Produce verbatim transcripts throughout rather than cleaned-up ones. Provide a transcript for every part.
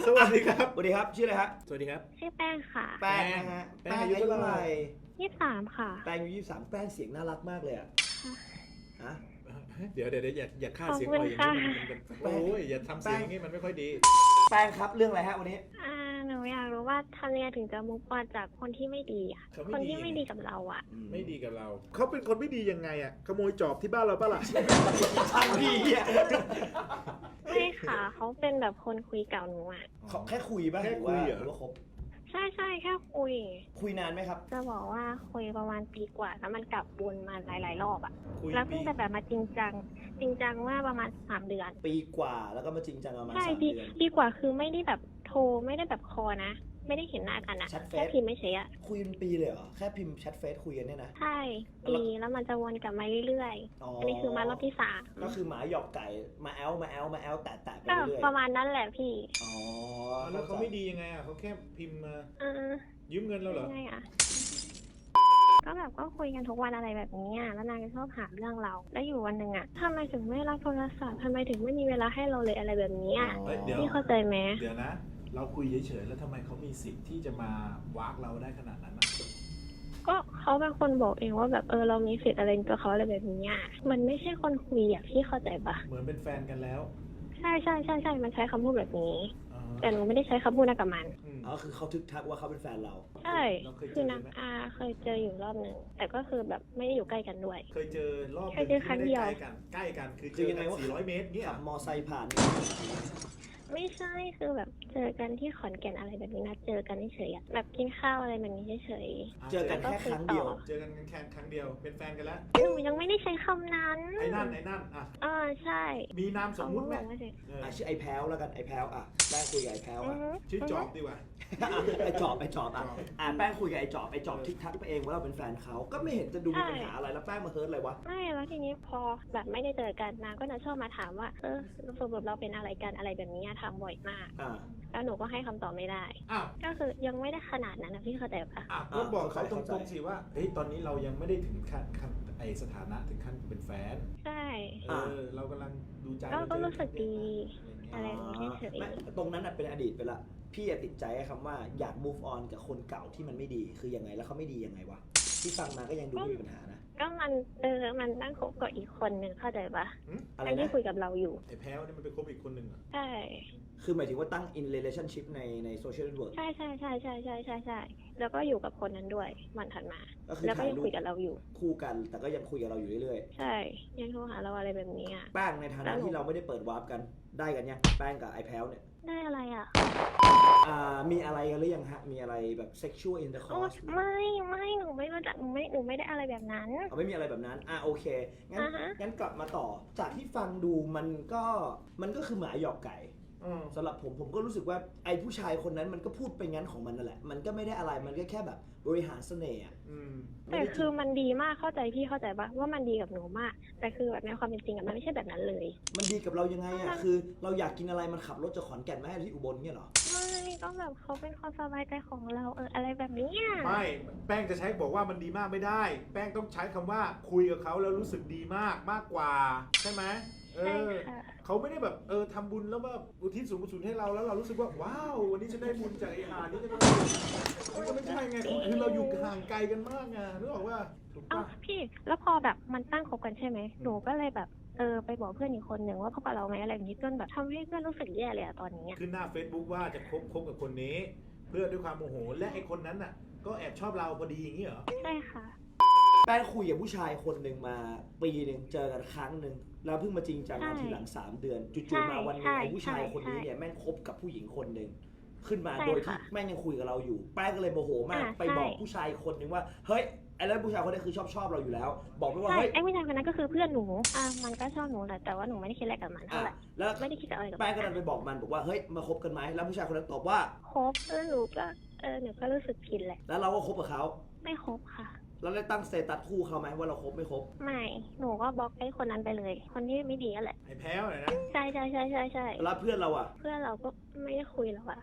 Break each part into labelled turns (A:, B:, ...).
A: สวัสดีครับ
B: สวัสดีครับชื่ออะไรฮะ
A: สวัสดีครับ
C: ชื่อแป้งค่ะ
B: แป้งนะฮะ
A: แป้งอายุเท่าไหร่
C: ยี่สิบสามค่ะ
B: แป้งอายุยี่สิบสามแป้งเสียงน่ารักมากเลยอ่ะฮะ
A: เดี๋ยวเดี๋ยวอย่าอย่าฆ่า
C: ขอบ
A: เสียง
C: คุณ
A: อ่อยอย่าง
C: ค่ะ
A: นี้มันมันโอ้ยอย่าทำเสียงอย่างนี้มันไม่ค่อยดี
B: แป้งครับเรื่องอะไรฮะวันนี้
C: อ่าหนูอยากรู้ว่าทำยังไงถึงจะมุกออนจากคนที่ไม่ดีอ่ะ
A: เขา
C: คน
A: ไม่ดี
C: ที่ไม่ดีกับเราอ่ะ
A: ไม่ดีกับเรา เขาเป็นคนไม่ดียังไงอ่ะขโมยจอบที่บ้านเราปะล่ะ
B: ช่างดีอ่ะ
C: ไม่ค่ะ เขาเป็นแบบคนคุยเก่าหนูอ่ะ
B: เขาแค่คุยป่ะ
A: แค่
B: หรือ
A: คุ
B: ว่าย
A: เหรอ
B: หรือว่าคบ
C: ใช่ใช่แค่คุย
B: คุยนานไหมครับ
C: จะบอกว่าคุยประมาณปีกว่าแล้วมันกลับวนมาหลาย ๆ รอบอ่ะ
A: คุย
C: แล้วเพิ่
A: ปี
C: งจะแบบมาจริงจัง จริงจังว่าประมาณสามเดือน
B: ปีกว่าแล้วก็มาจริงจังประมาณ
C: ใช่
B: สาม
C: ปี
B: เดือน
C: ปีกว่าคือไม่ได้แบบโทรไม่ได้แบบคอนะ ไม่ได้เห็นหน้ากันอะ
B: แชทเฟซ
C: แค่พิมพ์ไม่ใช่อะ
B: คุยเป็นปีเลยเหรอแค่พิมพ์แชทเฟซคุยกันเนี่ยนะ
C: ใช่ปีแล้วมันจะวนกลับมาเรื่อย
B: อ๋อ
C: ๆ
B: อั
C: อันนี้คือมารอบที่สาม
B: ก็คือหมาหยอกไก่มาแอลมาแอลมาแอลแตะแตะไป
C: ก็
B: เรื่อย
C: ประมาณนั้นแหละพี่
B: อ๋อ
A: แล้วเขาไม่ดียังไงอ่ะเขาแค่พิมพ์มา
C: เออ
A: ยืมเงินเราเหรอ
C: ยังไงอะก็แบบก็คุยกันทุกวันอะไรแบบนี้อะแล้วนางก็ชอบหาเรื่องเรา แล้วอยู่วันหนึ่งอะทำไมถึงไม่รับโทรศัพท์ทำไมถึงไม่มีเวลาให้เราเลยอะไรแบบนี้อะ
A: เอ้ยเดี๋ยว
C: พี่เข้าใจไหม
A: เดี๋ยวนะ เราคุยเฉยๆแล้วทำไมเขามีสิทธิ์ที่จะมาวากเราได้ขนาดนั้นอ่ะ
C: ก็เขาเป็นคนบอกเองว่าแบบเออเรามีสิทธิ์อะไรในตัวเขาอะไรแบบนี้อะมันไม่ใช่คนคุยอะพี่เข้าใจปะ
A: เหมือนเป็นแฟนกันแล้ว
C: ใช่ใช่ใช่ใช่มันใช้คำพูดแบบนี้
A: อ่า
C: แต่หนูไม่ได้ใช้คำพูดนะกับมัน
A: อืม
B: อ๋อคือเขาทึกทักว่าเขาเป็นแฟนเรา
C: ใช่
A: เราเคยเจ
C: คือ
A: อ
C: นาง
A: ไหม
C: อาเคยเจออยู่รอบหนึ่งแต่ก็คือแบบไม่ได้อยู่ใกล้กันด้วย
A: เคยเจอรอบห
C: เค
A: นึ่
C: ย
A: ง
C: เจอครั้
A: ที่
C: ง
A: ไม่
C: เดี ยว
A: ได้ใกล้กัน ใกล้กัน คือเจ
B: คือ
A: อ
B: ยังไง
A: กัน
B: วะ
A: สี่ร้อยเมตรเนี่ย
B: ขับมอไซค์ผ่าน
C: ไม่ใช่คือแบบเจอกันที่ขอนแก่นอะไรแบบนี้นะเจอกันเฉยๆอะแบบกินข้าวอะไรแบบนี้เฉย
B: เจอกันแค่ครั้งเดียว
A: เจอกันแค่ครั้งเดียว เป็นแฟนกันแล้ว
C: ๆหนูยังไม่ได้ใช้คำนั้น
A: ไอ้นั่นไอ้นั่นอ่ะ
C: เออใช่
A: มีนามสมมุติไหม
C: เขาบอกว่าเฉย
A: เออ
B: อ่ะชื่อไอ้แพ้วแล้วกันไอ้แพ้วอ่ะแป้งคุยกับไอ้แพ้ว
C: อื
B: อ่ะ
C: อฮึ
A: ชื่อจอบดีกว่า
B: ไอ้จอบไอ้จอบอ่ะ
A: จอบ
B: อ่ะแป้งคุยกับไอ้จอบไอ้จอบทิกทักไปเองว่าเราเป็นแฟนเขาก็ไม่เห็นจะดูมีปัญหาอะไรแล้วแป้งมาเฮิร์ตอะไรวะ
C: ไม่แล้วทีนี้พอแบบไม่ได้เจอกันนางก็จะชอบมาถามว่าเออสรุปเราเป็นอะไรกันอะไรแบบนี้อะถามบ่อยมาก
B: อ่า
C: แล้วหนูก็ให้คำตอบไม่ได้
A: อ้าว
C: ก็คือยังไม่ได้ขนาดนั้นนะพี่เข้าใจปะ
A: อ่ะก็บอกเขาตรงๆสิว่า เฮ้ย ตอนนี้เรายังไม่ได้ถึงขั้นขั้นไอสถานะถึงขั้นเป็นแฟน
C: ใช่
A: เออ เรากำลังดูใจ
C: ก็ก็รู้สึกดี
A: อะ
C: อะไร ไร
A: อย่าง
C: อ
A: เงี้ย
C: ย่างนี้เฉย
B: ไม่ตรงนั้นน่ะเป็นอดีตไปละพี่อะติดใจไอ้คำว่าอยาก move on กับคนเก่าที่มันไม่ดีคือยังไงแล้วเขาไม่ดียังไงวะที่ฟังมาก็ยังดูไม่มีปัญหานะ
C: ๆก็มันเออมันนั่งคบกับอีกคนหนึ่งเข้าใจปะ
B: อะไร
C: ไอ้ที่
B: นะ
C: คุยกับเราอยู่
A: ไอ้แพ้วเนี่ยมันไปคบอีกคนหนึ่งเหรอ
C: ใช่
B: คือหมายถึงว่าตั้ง in relationship ในใน social network
C: ใช่ใช่ใช่ใช่ใช่ใช่ใช่แล้วก็อยู่กับคนนั้นด้วยวันถัดมา
B: ก็คือ
C: แล้วก็
B: ถ่าย
C: ยัง
B: รู
C: คุ
B: ป
C: ยกับเราอยู่
B: คู่กันแต่ก็ยังคุยกับเราอยู่เรื่อย
C: ใช่ยังโทรหาเราอะไรแบบนี้อ่ะ
B: ๆแป้งในฐานะที่เราไม่ได้เปิดวาร์ปกันได้กันยังแป้งกับไอ้แพ้วเนี่ย
C: ได้อะไรอ่ะ
B: อ่ามีอะไรกันหรือยังฮะมีอะไรแบบ sexual
C: โอ้
B: intercourse
C: ไม่ไม่หนูไม่รู้จักหนูไม่หนูไม่ได้อะไรแบบนั้น
B: เอาไม่มีอะไรแบบนั้น อ่ะโอเค งั้น
C: อ่าฮะ
B: งั้นกลับมาต่อ จากที่ฟังดูมันก็ มันก็คือหมาหยอกไก่
A: อืม
B: สำหรับผมผมก็รู้สึกว่าไอ้ผู้ชายคนนั้นมันก็พูดไปงั้นของมันนั่นแหละ มันก็ไม่ได้อะไร มันก็แค่แบบบริหารเสน่ห์อะ
A: อืม
C: แต่คือมันดีมากเข้าใจพี่เข้าใจปะว่ามันดีกับหนูมาก แต่คือแบบในความเป็นจริงอะมันไม่ใช่แบบนั้นเลย
B: มันดีกับเรายังไงอ่ะ คือเราอยากกินอะไรมันขับรถจากขอนแก่นมาให้ที่อุบลเนี่ยเหรอ
C: ไม่ก็แบบเขาเป็นความสบายใจของเราเอออะไรแบบนี้อะ
A: ไม่ แป้งจะใช้บอกว่ามันดีมากไม่ได้ แป้งต้องใช้คำว่าคุยกับเขาแล้วรู้สึกดีมากมากกว่า ใช่ไหมเอ
C: ใช่
A: อ
C: ค่ะ
A: เขาไม่ได้แบบเออทำบุญแล้วแบบอุทิศส่วนกุศลให้เราแล้วเรารู้สึกว่าว้าววันนี้ฉันได้บุญจากไอ้หานี่จะมันก็ไม่ใช่ไงคือเราอยู่ห่างไกลกันมากไงนึกออกว่าถูก
C: เอ้า
A: ปะ
C: พี่แล้วพอแบบมันตั้งคบกันใช่ไหมหนูก็เลยแบบเออไปบอกเพื่อนอีกคนหนึ่งว่าพบกับเราไหมอะไรแบบนี้จนแบบทำให้เพื่อนรู้สึกแย่เลยอะตอนนี้อะ
A: ขึ้นหน้า Facebook ว่าจะคบคบกับคนนี้ เพื่อด้วยความโมโหและไอ้คนนั้นน่ะ ก็แอบชอบเราพอดีอย่างนี้เหรอ
C: ใช่ค่ะ
B: แป้งคุยกับผู้ชายคนหนึ่งมาปีหนึ่งเจอกันครั้งหนึ่งแล้วเพิ่งมาจริงจังกัน
C: ใช่
B: ทีหลังสามเดือน
C: ใช่
B: จู่ๆมาวันหนึง
C: ใช่
B: ไอ้ผู้ชายคนนี้
C: ใช่
B: เนี่ยแม่งคบกับผู้หญิงคนหนึ่งขึ้นมา
C: ใช่
B: โดยที่
C: ค่ะ
B: แม่งยังคุยกับเราอยู่ แป้งก็เลยโมโหมาก
C: อ่า
B: ไปบอก
C: ใช่
B: ผู้ชายคนหนึ่งว่าเฮ้ยไอ้แล้วผู้ชายคนนี้คือชอบชอบเราอยู่แล้ว บอกไปว่า
C: ใช่
B: เฮ้ย
C: ไอ้ผู้ชายคนนั้นก็คือเพื่อนหนูอ่ะมันก็ชอบหนูแหละแต่ว่าหนูไม่ได้คิดอะไรกับมันเท่า
B: อ่ะ
C: ไหร่
B: แล้ว
C: ไม่ได้คิดอะไรกับ
B: แป้
C: มั
B: งก็เลยไปบอกมันบอกว่าเฮ้ยมาคบกันไหมแล้วผู้ชายคนนั้นตอบว่า
C: คบเออหนูก็เออหนูก็รู้สึกผิดแหละ
B: แล้วเราก็คบกับเขา
C: ไม่คบค่ะ
B: แล้วได้ตั้งสเตตัสคู่เขาไหมว่าเราคบไม่คบ
C: ไม่ หนูก็บล็อกไอ้คนนั้นไปเลย คนที่ไม่ดีนั่นแหละ
A: ไอ้แพ้วน่ะนะ
C: ใช่ใช่ใช่ใช่ใช่
B: แล้วเพื่อนเราอ่ะ
C: เพื่อนเราก็ไม่ได้คุยแล้วอะ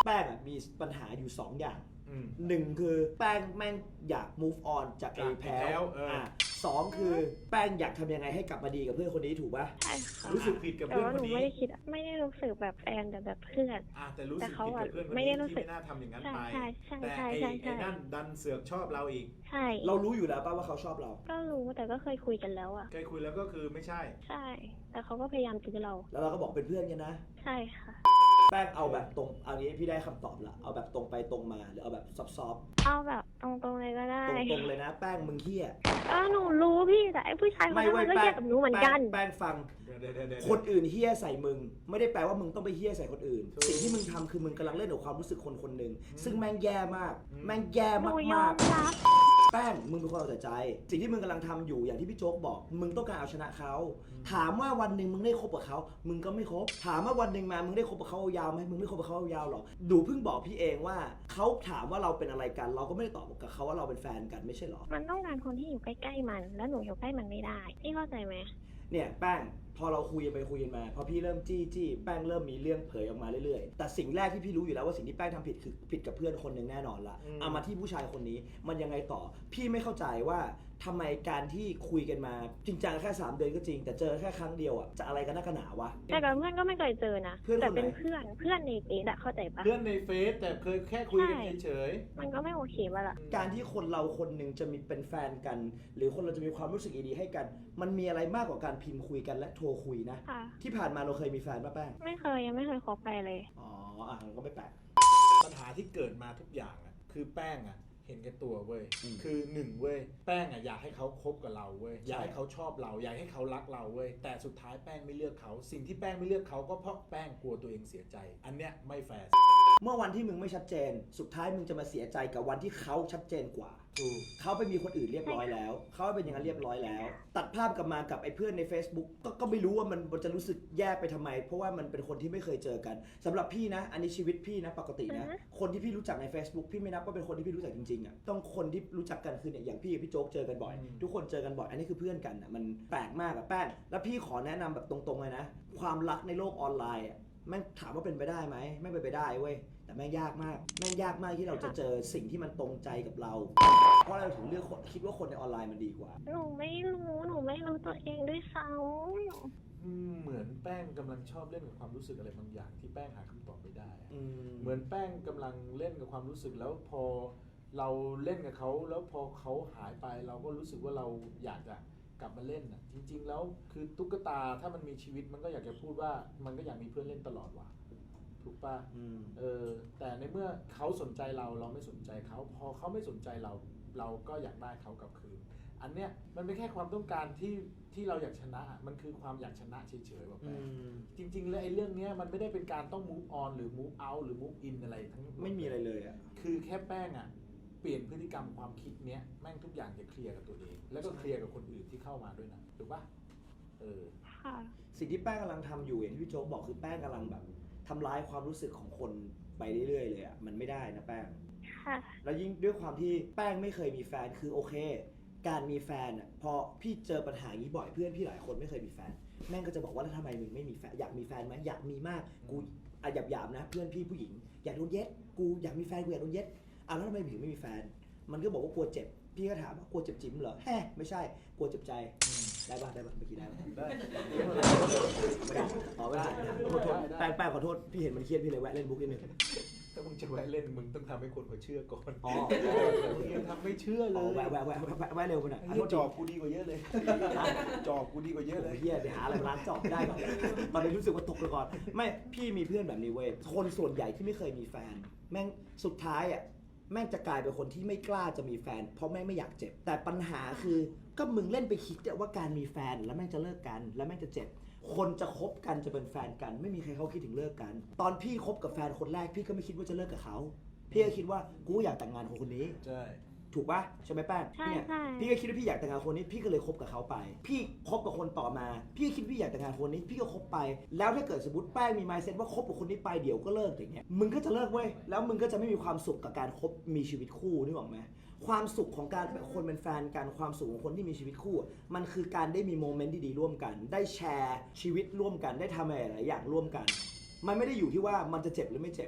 B: แป้งอ่ะมีปัญหาอยู่สองอย่าง
A: อืม
B: หนึ่งคือแป้งแม่งอยาก move on จากไอ้
A: จาก
B: แพ
A: ไอ้แพร
B: ล
A: ว
B: ว
A: เอออ่
B: ะสองคือแป้งอยากทำยังไงให้กลับมาดีกับเพื่อนคนนี้ถูกป่ะ
C: ใช่ค่ะ
A: รู้สึกผิดกับ
C: แต่
A: เพื่อน
C: ว่า
A: ค
C: ห
A: น
C: นู
A: นี้
C: ไม่ได้คิดอะไม่ได้รู้สึกแบบแฟนแต่แบบเพื่อน
A: อ่ะแต่รู้
C: แต่
A: สึก
C: เขา
A: ผิด
C: อะ
A: กับเพื่อนคน
C: ไม่
A: นี้
C: ได้รู้
A: ที่
C: สึก
A: ไม่น่าทำอย่างนั้น
C: ใช่
A: ไป
C: ใช่ใช่
A: แต่
C: ใช่
A: ไอ้
C: ใช่
A: ไอ้
C: ใช่
A: นั่นดันเสือกชอบเราอีก
C: ใช่
B: เรารู้อยู่แล้วป่ะว่าเขาชอบเรา
C: ก็รู้แต่ก็เคยคุยกันแล้วอะ
A: เคยคุยแล้วก็คือไม่ใช่
C: ใช่ แต่เขาก็พยายามตื้อเรา
B: แล้วเราก็บอกเป็นเพื่อนกันนะ
C: ใช่ค่ะ
B: แป้งเอาแบบตรงเอานี้พี่ได้คำตอบละเอาแบบตรงไปตรงมาหรือเอาแบบซอฟต์
C: เอาแบบตรงๆเลยก็ได้
B: ๆตรงๆเลยนะ แป้งมึงเฮี้ย
C: ก็หนูรู้พี่แต่ไอ้ผู้ชายคนนั้นมันก็แย่กับหนูเหมือนกัน
B: แป้งฟัง
A: เดี๋ยวเดี๋ยวเดี๋ยวเดี๋ยว
B: คนอื่นเฮี้ยใส่มึง ไม่ได้แปลว่ามึงต้องไปเฮี้ยใส่คนอื่น
A: ถูก
B: สิ่งที่มึงทำคือมึงกำลังเล่นกับความรู้สึกคนคนหนึ่ง
A: อืม
B: ซึ่งแม่งแย่มาก
A: อืม
B: แม่งแย่
C: หนูยอ
B: มาก
C: มรับ
B: ๆแป้งมึงเป็นคนเอาแต่ใจ สิ่งที่มึงกำลังทำอยู่อย่างที่พี่โจ๊กบอก มึงต้องการเอาชนะเขาถามว่าวันหนึ่งมึงได้คบกับเขามึงก็ไม่คบถามว่าวันหนึ่งมามึงได้คบกับเขายาวไหมมึงไม่คบกับเขายาวหรอกดูเพิ่งบอกพี่เองว่าเขาถามว่าเราเป็นอะไรกัน เราก็ไม่ได้ตอบกับเขาว่าเราเป็นแฟนกันไม่ใช่หรอ
C: มันต้องการคนที่อยู่ใกล้ๆมัน แล้วหนูอยู่ใกล้มันไม่ได้ พี่เข้าใจไหม
B: เนี่ยแป้งพอเราคุยกันไปคุยกันมาพอพี่เริ่มจี้จี้แป้งเริ่มมีเรื่องเผยออกมาเรื่อยๆแต่สิ่งแรกที่พี่รู้อยู่แล้วว่าสิ่งที่แป้งทำผิดคือผิดกับเพื่อนคนหนึ่งแน่นอนละ
A: อืม
B: เอามาที่ผู้ชายคนนี้มันยังไงต่อ พี่ไม่เข้าใจว่าทำไมการที่คุยกันมาจริงจังแค่สามเดือนก็จริงแต่เจอแค่ครั้งเดียวอ่ะจะอะไรกันนักกันหนาวะ
C: แต่กับเพื่อนก็ไม่เคยเจอนะ
B: เพื่อนคนไหน
C: แต่เป็นเพื่อน เพื่อนในเฟซอะเข้าใจปะ
A: เพื่อนในเฟซแต่เคยแค่คุยกัน
C: ใช่
A: เฉย
C: มันก็ไม่โอเคปะล่ะ
B: การที่คนเราคนหนึ่งจะมีเป็นแฟนกัน หรือคนเราจะมีความรู้สึกดีๆให้กัน มันมีอะไรมากกว่าการพิมพ์คุยกันและโทรคุยนะ
C: ค่ะ
B: ที่ผ่านมาเราเคยมีแฟนป่ะแป้ง
C: ไม่เคยยังไม่เคยคบใครเลย
B: อ๋ออ่ะมันก็ไม่แปลก
A: ปัญหาที่เกิดมาทุกอย่างอ่ะคือแป้งอ่ะเห็นแก่ตัวเว้ย
B: อืม
A: คือหนึ่งเว้ยแป้งอ่ะอยากให้เขาคบกับเราเว้ย
B: ใช่
A: อยากให้เขาชอบเราอยากให้เขารักเราเว้ยแต่สุดท้ายแป้งไม่เลือกเขาสิ่งที่แป้งไม่เลือกเขาก็เพราะแป้งกลัวตัวเองเสียใจ อันเนี้ยไม่แฟร์
B: เมื่อวันที่มึงไม่ชัดเจน สุดท้ายมึงจะมาเสียใจกับวันที่เขาชัดเจนกว่า
A: ถูก
B: เขาไปมีคนอื่นเรียบร้อยแล้ว เขาเป็นอย่างนั้นเรียบร้อยแล้ว ตัดภาพกลับมากับไอ้เพื่อนใน Facebook ก็ก็ไม่รู้ว่ามันมันจะรู้สึกแย่ไปทำไม เพราะว่ามันเป็นคนที่ไม่เคยเจอกันสำหรับพี่นะ อันนี้ชีวิตพี่นะปกตินะ
C: อือฮะ
B: คนที่พี่รู้จักใน Facebook พี่ไม่นับว่าเป็นคนที่พี่รู้จักจริงๆอ่ะต้องคนที่รู้จักกันคือเนี่ยอย่างพี่กับพี่โจ๊กเจอกันบ่อย
A: อืม
B: ทุกคนเจอกันบ่อย อันนี้คือเพื่อนกันอ่ะมันแปลกมากอะแป้งแล้วพี่ขอแนะนำแบบตรงๆเลยนะ ความรักในโลกออนไลน์อ่ะแม่งถามว่าเป็นไปได้ไหมไม่เป็นไปได้เว้ยแต่แม่งยากมากแม่งยากมากที่เราจะเจอสิ่งที่มันตรงใจกับเรา เพราะเราถึงเลือกคนคิดว่าคนในออนไลน์มันดีกว่า
C: หนูไม่รู้ หนูไม่รู้ตัวเองด้วยซ้
A: อืมเหมือนแป้งกำลังชอบเล่นกับความรู้สึกอะไรบางอย่างที่แป้งหาคำตอบไม่ได้อะ
B: อืม
A: เหมือนแป้งกำลังเล่นกับความรู้สึกแล้วพอเราเล่นกับเขาแล้วพอเขาหายไปเราก็รู้สึกว่าเราอยากจะกลับมาเล่นอ่ะจริง ๆ แล้วคือตุ๊กตาถ้ามันมีชีวิตมันก็อยากจะพูดว่ามันก็อยากมีเพื่อนเล่นตลอดว่ะถูกป่ะ
B: อืม
A: เออแต่ในเมื่อเขาสนใจเราเราไม่สนใจเขาพอเขาไม่สนใจเราเราก็อยากได้เขากลับคืน อันเนี้ยมันเป็นแค่ความต้องการที่ที่เราอยากชนะอะมันคือความอยากชนะเฉยๆแบบ
B: อื
A: แป้ง
B: ม
A: จริงๆแล้วไอ้เรื่องเนี้ยมันไม่ได้เป็นการต้อง move on หรือ move out หรือ move in อะไรทั้งหด
B: ไม่มีอะไรเลยอ่ะ
A: คือแค่แป้งอ่ะเปลี่ยนพฤติกรรมความคิดเนี้ยแม่งทุกอย่างจะเคลียร์กับตัวเอง แล้วก็เคลียร์กับคนอื่นที่เข้ามาด้วยนะถูกปะเออ
C: ำค่ะ
B: สิ่งที่แป้งกำลังทำอยู่อย่างที่พี่โจ๊กบอกคือแป้งกำลังแบบทำร้ายความรู้สึกของคนไปเรื่อยๆเลยอ่ะมันไม่ได้นะแป้ง
C: ค่ะ
B: แล้วยิ่งด้วยความที่แป้งไม่เคยมีแฟนคือโอเค การมีแฟนอ่ะพอพี่เจอปัญหาอย่างนี้บ่อยเพื่อนพี่หลายคนไม่เคยมีแฟน แม่งก็จะบอกว่าแล้วทำไมมึงไม่มีแฟนอยากมีแฟนไหมอยากมีมากกูอ่ะหยาบๆนะเพื่อนพี่ผู้หญิงอยากโดนเย็ดกูอยากมีแฟนกูอยากโดนเย็ดอ่ะแล้วทำไมถึงไม่มีแฟน มันก็บอกว่ากลัวเจ็บพี่ก็ถามว่ากลัวเจ็บจิ้มเหรอแฮ่ไม่ใช่กลัวเจ็บใจได้ป่ะได้ป่ะเมื่อกี้ได้ป่ะ
A: ได้
B: ไม่ได้อ๋อไม่ได้ขอโทษแป้งแป้งขอโทษพี่เห็นมันเครียดพี่เลยแวะเล่นบุ๊กนิดนึง
A: ถ้ามึงจะแวะเล่นมึงต้องทำให้คนเขาเชื่อก่อน
B: อ๋อ
A: มึงยังทำไม่เชื่อเล
B: อ๋อย แวะแวะแวะแวะแวะเร็วไปหน่อย
A: ไอ้
B: ขอ
A: เหี้
B: โท
A: ย
B: ษ
A: จ
B: ที
A: อบกูดีกว่าเยอะเลย จอบกูดีกว่าเยอะเลย
B: เฮียไปหาอะไรมาล้างจอบได้ก่อนตอนนี้รู้สึกว่าตกไปก่อนไม่พี่มีเพื่อนแบบนี้เว้ยคนส่วนใหญ่ที่ไม่เคยมีแฟน แม่งสุดท้ายอ่ะแม่งจะกลายเป็นคนที่ไม่กล้าจะมีแฟน เพราะแม่งไม่อยากเจ็บ แต่ปัญหาคือก็มึงเล่นไปคิดว่าการมีแฟนแล้วแม่งจะเลิกกันแล้วแม่งจะเจ็บ คนจะคบกันจะเป็นแฟนกัน ไม่มีใครเขาคิดถึงเลิกกัน ตอนพี่คบกับแฟนคนแรกพี่ก็ไม่คิดว่าจะเลิกกับเขาพี่ก็คิดว่ากูอยากแต่งงานกับคนนี้
A: ใช่
B: ถูกปะใช่ไหมแป้ง
C: ใช่
B: เนี่ย
C: ใช่
B: พี่ก็คิดว่าพี่อยากแต่งงานคนนี้พี่ก็เลยคบกับเขาไป พี่คบกับคนต่อมา พี่ก็คิดพี่อยากแต่งงานคนนี้ พี่ก็คบไป แล้วถ้าเกิดสมมติแป้งมี mindset ว่าคบกับคนนี้ไปเดี๋ยวก็เลิกอย่างเงี้ยมึงก็จะเลิกเว้ยแล้วมึงก็จะไม่มีความสุขกับการคบมีชีวิตคู่นึกออกไหมความสุขของการเป็นคนเป็นแฟนกันความสุขของคนที่มีชีวิตคู่ มันคือการได้มีโมเมนต์ที่ดีร่วมกัน ได้แชร์ชีวิตร่วมกันได้ทำอะไรหลายอย่างร่วมกัน มันไม่ได้อยู่ที่ว่ามันจะเจ็บหรือไม่เจ็บแ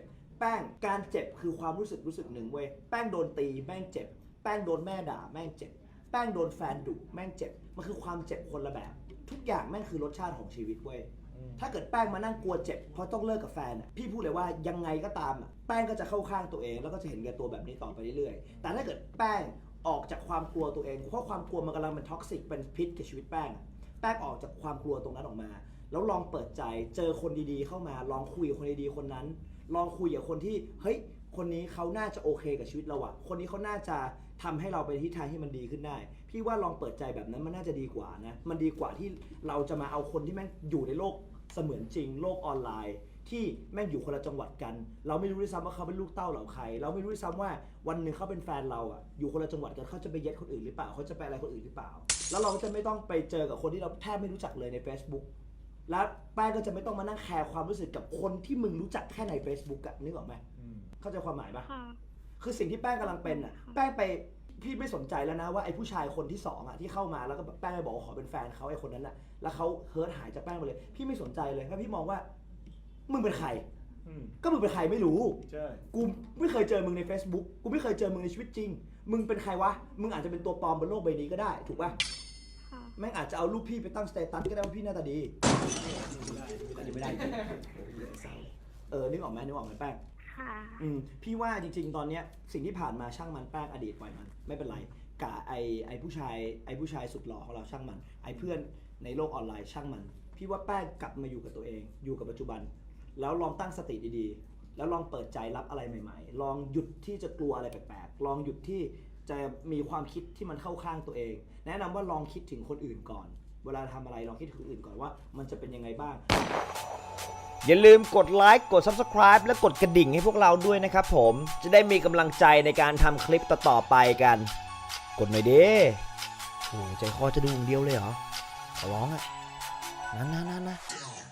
B: แป้งการเจ็บคือความรู้สึกรู้สึกหนึ่งเว้ยแป้งโดนตีแม่งเจ็บแป้งโดนแม่ด่าแม่งเจ็บแป้งโดนแฟนดุแม่งเจ็บมันคือความเจ็บคนละแบบทุกอย่างแม่งคือรสชาติของชีวิตเว้ยถ้าเกิดแป้งมานั่งกลัวเจ็บเพราะต้องเลิกกับแฟนอ่ะพี่พูดเลยว่ายังไงก็ตามอ่ะแป้งก็จะเข้าข้างตัวเองแล้วก็จะเห็นแก่ตัวแบบนี้ต่อไปเรื่อยๆแต่ถ้าเกิดแป้งออกจากความกลัวตัวเองเพราะความกลัวมันกำลังเป็นท็อกซิกเป็นพิษกับชีวิตแป้งแป้งออกจากความกลัวตรงนั้นออกมาแล้วลองเปิดใจเจอคนดีๆเข้ามาลองคุยกับคนดีๆคนนั้นลองคุยกับคนที่เฮ้ยคนนี้เขาน่าจะโอเคกับชีวิตเราอะคนนี้เขาน่าจะทำให้เราไปทิศทางที่มันดีขึ้นได้พี่ว่าลองเปิดใจแบบนั้นมันน่าจะดีกว่านะมันดีกว่าที่เราจะมาเอาคนที่แม่งอยู่ในโลกเสมือนจริงโลกออนไลน์ที่แม่งอยู่คนละจังหวัดกันเราไม่รู้ด้วยซ้ำว่าเขาเป็นลูกเต้าเหล่าใครเราไม่รู้ด้วยซ้ำว่าวันหนึ่งเขาเป็นแฟนเราอะอยู่คนละจังหวัดกันเขาจะไปเย็ดคนอื่นหรือเปล่าเขาจะไปอะไรคนอื่นหรือเปล่าแล้วเราจะไม่ต้องไปเจอกับคนที่เราแทบไม่รู้จักเลยใน Facebook แล้วแป้งก็จะไม่ต้องมานั่งแคร์ความรู้สึกกับคนที่มึงรู้จักแค่ใน Facebook อะนึกออกไหมเข้าใจความหมายปะ
C: ค่ะ
B: คือสิ่งที่แป้งกำลังเป็นอะแป้งไปพี่ไม่สนใจแล้วนะว่าไอ้ผู้ชายคนที่สองอะที่เข้ามาแล้วก็แบบแป้งไปบอกว่าขอเป็นแฟนเขาไอ้คนนั้นอะแล้วเขาเฮิร์ตหายจากแป้งไปเลยพี่ไม่สนใจเลยเพราะพี่มองว่ามึงเป็นใครก็มึงเป็นใครไม่รู้
A: ใช่
B: กูไม่เคยเจอมึงใน Facebook กูไม่เคยเจอมึงในชีวิตจริงมึงเป็นใครวะมึงอาจจะเป็นตัวปลอมบนโลกใบนี้ก็ได้ถูกปะ
C: ค่ะ
B: แม่งอาจจะเอารูปพี่ไปตั้งสเตตัสก็ได้ว่าพี่หน้าตาดีก็ยังไม่ได้เออนึกออกไหมนึกออกไหมแป้ง
C: ค่ะ
B: อืมพี่ว่าจริงๆตอนเนี้ยสิ่งที่ผ่านมาช่างมันแป้งอดีตปล่อยมันไม่เป็นไรกะไอไอผู้ชายไอผู้ชายสุดหล่อของเราช่างมันไอเพื่อนในโลกออนไลน์ช่างมันพี่ว่าแป้งกลับมาอยู่กับตัวเองอยู่กับปัจจุบันแล้วลองตั้งสติดีๆแล้วลองเปิดใจรับอะไรใหม่ๆลองหยุดที่จะกลัวอะไรแปลกๆลองหยุดที่จะมีความคิดที่มันเข้าข้างตัวเอง แนะนำว่าลองคิดถึงคนอื่นก่อนเวลาทำอะไรลองคิดถึงคนอื่นก่อนว่ามันจะเป็นยังไงบ้างอย่าลืมกดไลค์กด ซับสไครบ์ และกดกระดิ่งให้พวกเราด้วยนะครับผมจะได้มีกำลังใจในการทำคลิปต่อๆไปกันกดหน่อยดิโอ้ใจคอจะดูอย่างเดียวเลยเหรอขอร้องอ่ะนั่นๆๆๆ